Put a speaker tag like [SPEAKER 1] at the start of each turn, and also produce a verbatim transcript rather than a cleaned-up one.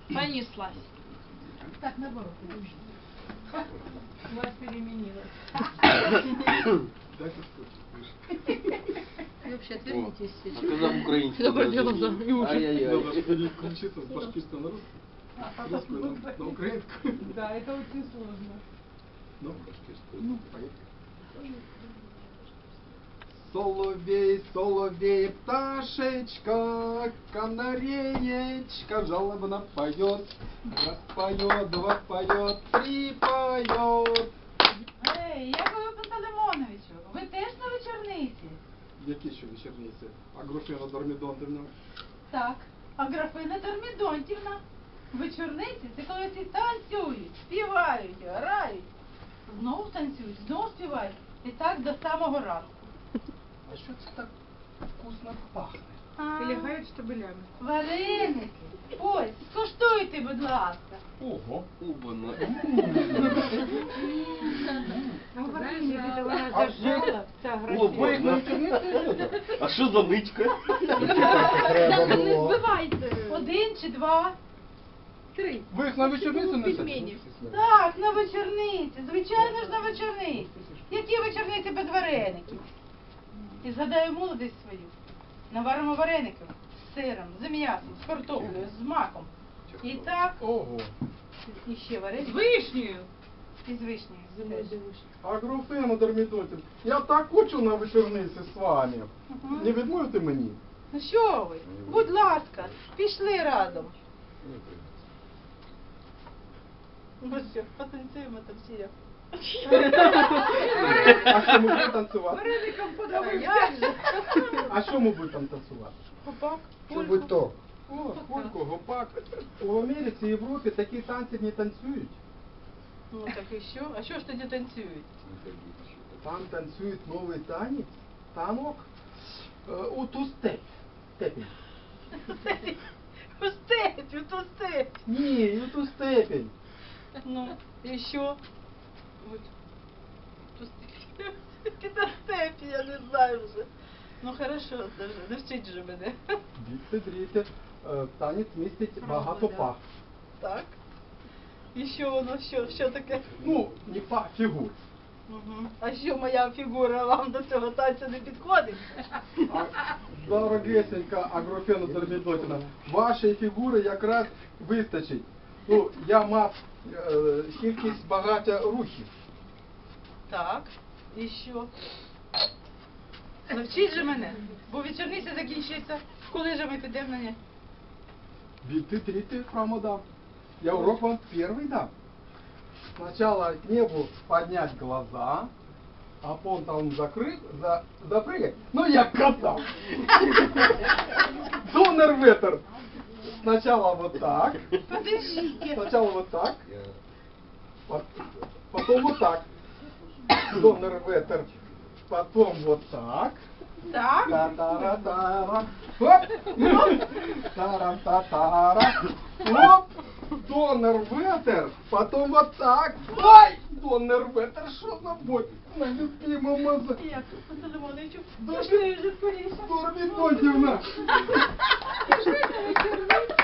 [SPEAKER 1] Понеслась.
[SPEAKER 2] Так, наоборот. У вас переменилось.
[SPEAKER 3] Дайте скотч.
[SPEAKER 1] Вы вообще отвернитесь
[SPEAKER 4] А
[SPEAKER 1] сейчас.
[SPEAKER 4] когда в украинском
[SPEAKER 1] Заболела
[SPEAKER 4] даже-
[SPEAKER 1] за ужин.
[SPEAKER 4] Ай-яй-яй.
[SPEAKER 3] Надо переключиться с башкирского на русский. Русскую на, на украинскую.
[SPEAKER 2] Да, это очень сложно.
[SPEAKER 3] Ну, башкирскую. Ну, поехали. Соловей, соловей, пташечка, канареечка жалобно поет, раз поет, два поет, три поет.
[SPEAKER 2] Ей, Якове Пантелеймоновичу, ви теж на вечорниці?
[SPEAKER 3] Які ще вечорниці? Агрофена Дормідонтівна.
[SPEAKER 2] Так, а графиня Дормідонтівна. Вечорниці це коли всі танцюють, співають, грають. Знову танцюють, знову співають. І так до самого ранку.
[SPEAKER 3] А що це так вкусно пахне?
[SPEAKER 2] А,
[SPEAKER 1] Лягають штабелями.
[SPEAKER 2] Вареники. Ось, скуштуйте, будь ласка.
[SPEAKER 3] Ого.
[SPEAKER 4] Убано.
[SPEAKER 2] А вареники
[SPEAKER 1] Зажала.
[SPEAKER 2] вона
[SPEAKER 3] А
[SPEAKER 2] зажала, ця
[SPEAKER 4] Убано.
[SPEAKER 2] графиня.
[SPEAKER 4] А що за нитка?
[SPEAKER 1] Так, не збивайте.
[SPEAKER 2] Один чи два?
[SPEAKER 1] Три.
[SPEAKER 3] Ви їх на вечорницю несете?
[SPEAKER 1] Пельменів.
[SPEAKER 2] Так, на вечорниці. Звичайно ж на вечорниці. Які вечорниці без вареників? І згадаю молодість свою. Наваримо вареників з сиром, з м'ясом, з картоплею, з маком. І так,
[SPEAKER 3] Ого.
[SPEAKER 2] і ще вареники.
[SPEAKER 1] З вишнею.
[SPEAKER 2] І з вишнею. теж.
[SPEAKER 3] Агрофена Дормідонтівна, я так хочу на вечорниці з вами.
[SPEAKER 2] Мгм.
[SPEAKER 3] Не відмовите мені?
[SPEAKER 2] Ну що ви? Будь ласка, пішли разом. Ну що, потанцюємо там всі.
[SPEAKER 3] А що ми будемо танцювати?
[SPEAKER 1] Вареником
[SPEAKER 2] А
[SPEAKER 1] подавився.
[SPEAKER 2] як же?
[SPEAKER 3] А що ми будемо танцювати?
[SPEAKER 2] Гопак,
[SPEAKER 5] Що будь то?
[SPEAKER 3] О, польку, гопак. У Америці і Європі такі танці не танцюють.
[SPEAKER 2] Ну так і що? А що ж тоді танцюють?
[SPEAKER 3] Там танцюють новий танець, танок, е, у ту степь. Степень.
[SPEAKER 2] У степі, у ту степь.
[SPEAKER 3] Ні, у ту степень.
[SPEAKER 2] Ну, і що? От. Ту степь. Які то степі, я не знаю вже. Ну хорошо, даже, навчіть же мене.
[SPEAKER 3] Діти, дріти, е, танець містить багато
[SPEAKER 2] да.
[SPEAKER 3] пах.
[SPEAKER 2] Так. І що воно, що, що таке?
[SPEAKER 3] Ну, не пах, фігур.
[SPEAKER 2] Угу. А що моя фігура вам до цього танцю не підходить?
[SPEAKER 3] А, дорогесенька Агрофена Дормідонтівна, вашої фігури якраз вистачить. Ну, я мав е, кількість багаття рухів.
[SPEAKER 2] Так. І що? Навчіть же мене, бо вечорниця закінчиться. Коли же ми підемо на не?
[SPEAKER 3] Биты, триты храма дам. Я урок вам первый дам. Сначала к небу поднять глаза, а потом там закрыть, за, запрыгать. Ну я кота. Донор ветер. Сначала вот так.
[SPEAKER 2] Подождите.
[SPEAKER 3] Сначала вот так. вот- Потом вот так. Донор ветер. Потом вот так.
[SPEAKER 2] Так.
[SPEAKER 3] Та-та-ра-та-ра. Хоп! Оп! Тара-та-тара. Оп! Донор ветер. Потом вот так. Ой! Донор ветер, что за бой? На любимому за...
[SPEAKER 2] Як, Пантелеймоновичу,
[SPEAKER 3] Да
[SPEAKER 2] пішли вже скоріше.
[SPEAKER 3] Дормідонтівна.
[SPEAKER 2] Пішли на вечорницю.